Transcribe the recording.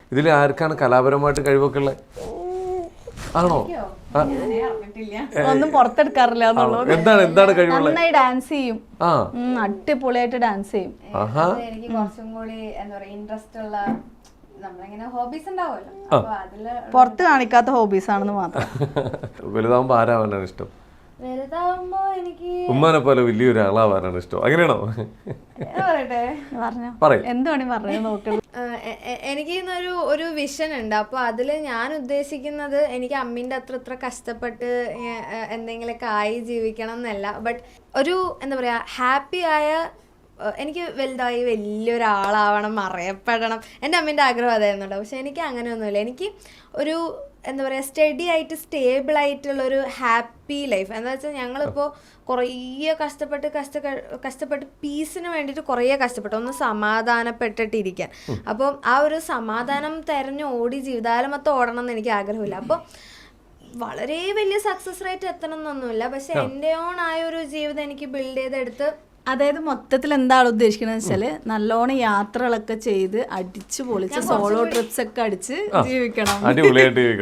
ഇതിൽ ആർക്കാണ് കലാപരമായിട്ട് കഴിവൊക്കെ ഉള്ളത്? ആണോ? ഒന്നും പുറത്തെടുക്കാറില്ല എന്നുള്ളത്. എന്താണ് കഴിവുള്ളത്? നന്നായി ഡാൻസ് ചെയ്യും, അടിപൊളിയായിട്ട് ഡാൻസ് ചെയ്യും. എനിക്ക് കുറച്ചും കൂടി എന്താ പറയാ ഇൻട്രസ്റ്റ് ഉള്ള നമ്മളിങ്ങനെ ഹോബീസ് ഉണ്ടാവുമല്ലോ, അപ്പൊ അതില് പുറത്ത് കാണിക്കാത്ത ഹോബീസ് ആണെന്ന് മാത്രം. വലുതാവുമ്പോ ആരാവാനാണ് ഇഷ്ടം? വലുതാവുമ്പോ എനിക്ക് ഉമ്മാനെ പോലെ വലിയൊരു ആളാവാനാണ് ഇഷ്ടം, അങ്ങനെയാണോ? പറയട്ടെ, പറയും. എന്ത് വേണേ പറഞ്ഞു നോക്കുള്ളൂ. എനിക്ക് ഒരു വിഷൻ ഉണ്ട്. അപ്പോൾ അതിൽ ഞാൻ ഉദ്ദേശിക്കുന്നത് എനിക്ക് അമ്മീൻ്റെ അത്ര കഷ്ടപ്പെട്ട് എന്തെങ്കിലുമൊക്കെ ആയി ജീവിക്കണം എന്നല്ല, ബട്ട് ഒരു എന്താ പറയുക ഹാപ്പി ആയ, എനിക്ക് വലുതായി വലിയൊരാളാവണം, അറിയപ്പെടണം, എൻ്റെ അമ്മേൻ്റെ ആഗ്രഹം അതായിരുന്നുണ്ടോ. പക്ഷെ എനിക്ക് അങ്ങനെയൊന്നുമില്ല. എനിക്ക് ഒരു എന്താ പറയുക സ്റ്റഡി ആയിട്ട് സ്റ്റേബിൾ ആയിട്ടുള്ളൊരു ഹാപ്പി ലൈഫ്. എന്താ വെച്ചാൽ ഞങ്ങളിപ്പോൾ കുറേ കഷ്ടപ്പെട്ട് പീസിന് വേണ്ടിയിട്ട് കുറേ കഷ്ടപ്പെട്ടു, ഒന്ന് സമാധാനപ്പെട്ടിട്ടിരിക്കാൻ. അപ്പം ആ ഒരു സമാധാനം തെരഞ്ഞ് ഓടി ജീവിതകാലം മൊത്തം ഓടണം എന്ന് എനിക്ക് ആഗ്രഹമില്ല. അപ്പോൾ വളരെ വലിയ സക്സസ് റേറ്റ് എത്തണം എന്നൊന്നുമില്ല, പക്ഷെ എൻ്റെ ഓൺ ആയ ഒരു ജീവിതം എനിക്ക് ബിൽഡ് ചെയ്തെടുത്ത്, അതായത് മൊത്തത്തിൽ എന്താണ് ഉദ്ദേശിക്കുന്നത് വെച്ചാല് നല്ലോണം യാത്രകളൊക്കെ ചെയ്ത് അടിച്ചു പൊളിച്ച് സോളോ ട്രിപ്സ് ഒക്കെ അടിച്ച് ജീവിക്കണം. അടിപൊളിയായിട്ട്